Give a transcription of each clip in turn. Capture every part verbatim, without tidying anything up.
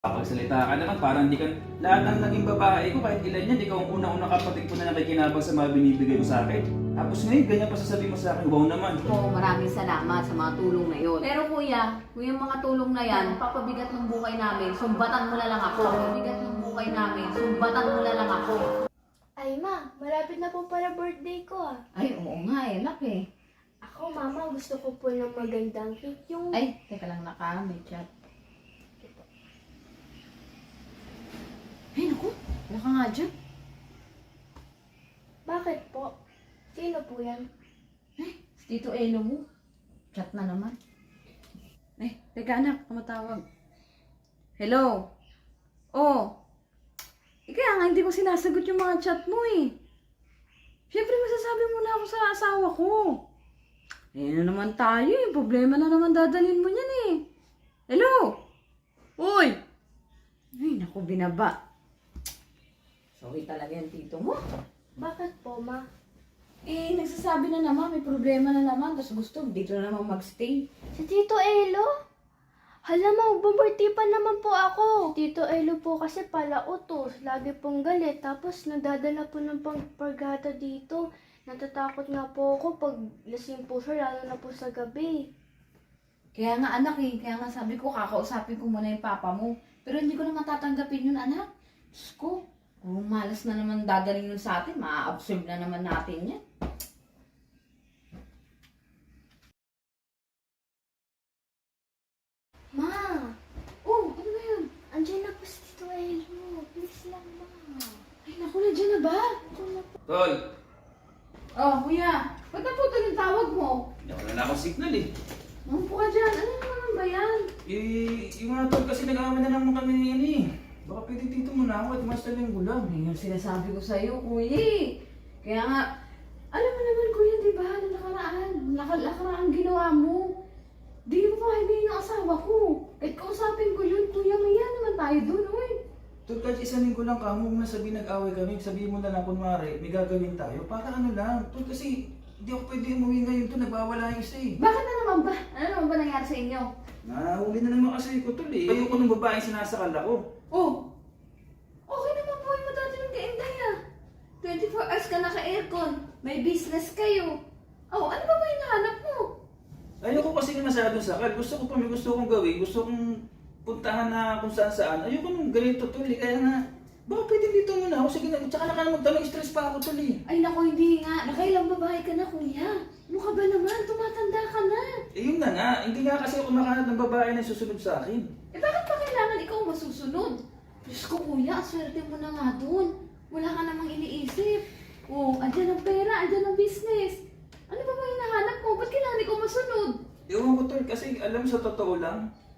Kapagsalita ka naman, parang di ka, lahat ng naging babae ko, kahit ilan yan, ikaw ang unang-unang kapatid ko na nakikinabang sa mga binibigay mo sa akin. Tapos ngayon, ganyan pa sasabihin mo sa akin, wow naman. Po, maraming salamat sa mga tulong na yon. Pero kuya, kung yung mga tulong na yan, papabigat ng buhay namin, sumbatan mo na lang ako. Papabigat ng buhay namin, sumbatan mo na lang ako. Ay ma, malapit na po para birthday ko ah. Ay, oo nga eh, anak eh. Ako mama, gusto ko po ng magandang cake. Yung... Ay, teka lang naka, may chat. Ay, naku, wala ka nga dyan. Bakit po? Sino po yan? Ay, si Tito Elo mo. Chat na naman. Ay, teka anak, tumatawag. Hello? Oh. Eh, kaya nga hindi ko sinasagot yung mga chat mo eh. Siyempre masasabi mo na ako sa asawa ko. Eh, na naman tayo eh. Problema na naman dadalhin mo niyan eh. Hello? Uy! Ay, naku, binaba. Sorry talaga yung tito mo. Bakit po ma? Eh, nagsasabi na naman, may problema na naman. Tapos gusto, dito na naman magstay. Si Tito Elo? Hala ma, birthday pa naman po ako. Tito Elo po kasi pala utos. Lagi pong galit. Tapos nadadala po ng pangpargata dito. Natatakot nga po ako pag lasing po siya, lalo na po sa gabi. Kaya nga anak eh, kaya nga sabi ko, kakausapin ko muna yung papa mo. Pero hindi ko na matatanggapin yun anak. Diyos ko, kung malas na naman dadaling yun sa atin, maa-absorb na naman natin yan. Ma, Oh, ano ba yun? andyan na po si Tito Elo. Please lang ma. Ay naku, nandiyan na ba? Andyan na po. Tol, Oh, kuya, ba't na po yung tawag mo? hindi ako na akong signal eh. Mampu ka dyan, ano naman ba yan? Eh, yung mga tol kasi nag-aamay na naman kami ni yan eh. Baka pwede dito muna ako at mas talang gulang. Ay, yung sinasabi ko sa'yo, kuya eh. Kaya nga, alam mo naman kuya, di ba, na nakaraan, naka- nakaraan ginawa mo. Di mo pa kaibigan yung asawa ko. Kahit kausapin ko yun, kuya, maya naman tayo dun, uy. Tol, kahit isang linggo lang ka, huwag na sabihin nag-away kami. Sabihin mo na lang kunwari, may gagawin tayo. Para ano lang. Tol, kasi hindi ako pwede umuwi ngayon to, nagbawala yung isa eh. Bakit na naman ba? Ano naman ba nangyari sa inyo? Nahuli na naman kasi ko tol eh. Ayoko ng babaeng sinasakal ako. Oh, okay naman po yung dati ng kainday ah. twenty-four hours ka naka-aircon, may business kayo. Oh, ano ba ba yung nahanap mo? Ayoko kasi na masyadong sakal. Gusto ko pa may gusto kong gawin. Gusto kong puntahan na kung saan saan. Ayoko nung ganito tol eh. Kaya nga, baka pwede dito muna ako. Sige na, tsaka na ka na magtanong, stress pa ako tol eh. Ay naku, hindi nga. Nakailang babae ka na, kuya. Ano ka ba naman? Tumatanda ka na. Eh yun na nga, hindi nga kasi ako makahanap ng babae na susunod sa akin. Eh bakit pa kailangan ikaw masusunod? Diyos ko kuya, swerte mo na nga dun. Wala ka namang iniisip. Oh, andyan ang pera, andyan ang business. Ano ba ba hinahanap mo? Ba't kailangan ikaw masunod? Ewan ko tol, kasi alam mo sa totoo lang,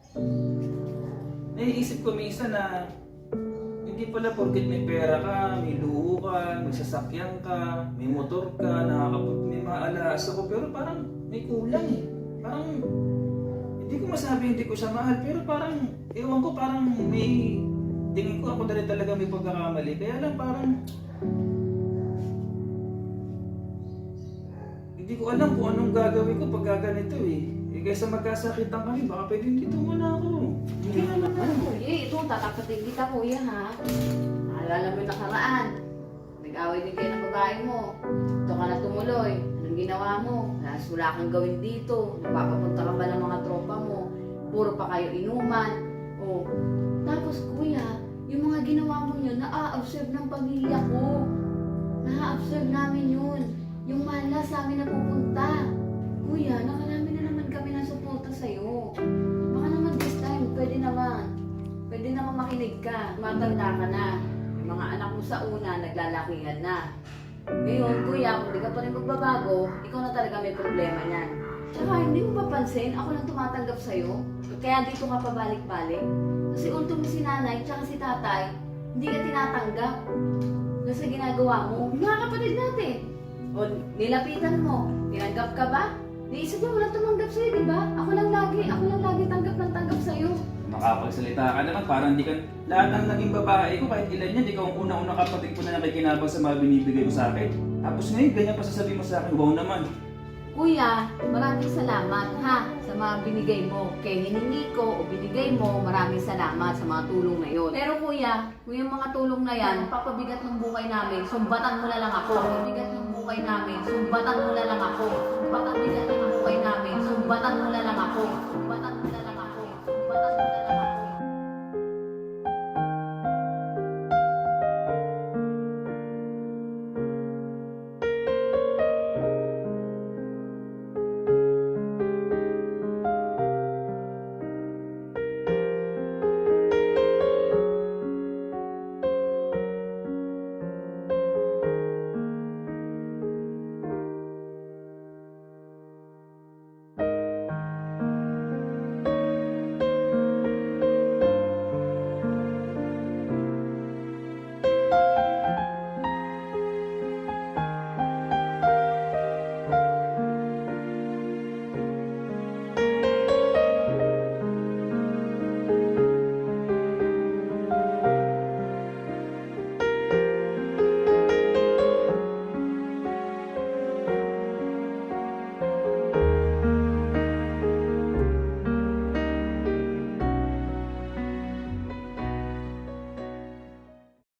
naiisip ko minsan na hindi pala porket may pera ka, may luho ka, may sasakyan ka, may motor ka, nakakapag may mga alaas ako, pero parang may kulang eh. Parang, hindi ko masabi hindi ko siya mahal, pero parang, ewan ko, parang may, tingin ko ako na rin talaga may pagkakamali. Kaya lang parang, hindi ko alam kung anong gagawin ko pag gaganito eh. Eh kaysa magkasakitan kami, baka pwede dito muna ako. Hindi naman na, kuya. Ito, tatapatin kita, kuya, ha? Naalala mo yung nakaraan. Nag-away din kayo ng babae mo. Ito ka na tumuloy. Anong ginawa mo? Halos wala kang gawin dito. Napapapunta ka ba ng mga tropa mo? Puro pa kayo inuman. O, tapos, kuya, yung mga ginawa mo yun, na-a-observe ng pamilya ko. Na-a-observe namin yun. Yung malas sa amin napupunta. Kuya, nakarami na naman kami ng suporta sa'yo. Baka naman this time, pwede naman. Pwede naman makinig ka. Matanda ka na. Yung mga anak mo sa una, naglalakihan na. Ngayon, kuya, kung di ka pa rin magbabago, ikaw na talaga may problema niyan. Tsaka hindi mo papansin, ako lang tumatanggap sa'yo. Kaya dito ka pabalik-balik. Kasi ultimo si nanay, tsaka si tatay, hindi ka tinatanggap. Kasi ginagawa mo, yung mga kapatid natin. O, nilapitan mo, tinanggap ka ba? Naisip mo, wala tumanggap sa'yo, di ba? Ako lang lagi, ako lang lagi tanggap ng tanggap sa'yo. Makapagsalita ka naman, parang di ka, lahat ng naging babae ko, kahit ilan yan, ikaw ang unang-unang kapatid ko na nakikinabang sa mga binibigay mo sa akin. Tapos ngayon, ganyan pa sasabihin mo sa akin, wow naman. Kuya, maraming salamat ha sa mga binigay mo. Kaya hiningi ko o binigay mo, maraming salamat sa mga tulong na yon. Pero kuya, kung yung mga tulong na yan, papabigat ng buhay namin, sumbatan mo na lang ako. Papabigat ng buhay namin, sumbatan mo na lang ako. Papabigat ng buhay namin, sumbatan mo na lang ako. Sumbatan mo na lang ako. Sumbatan mo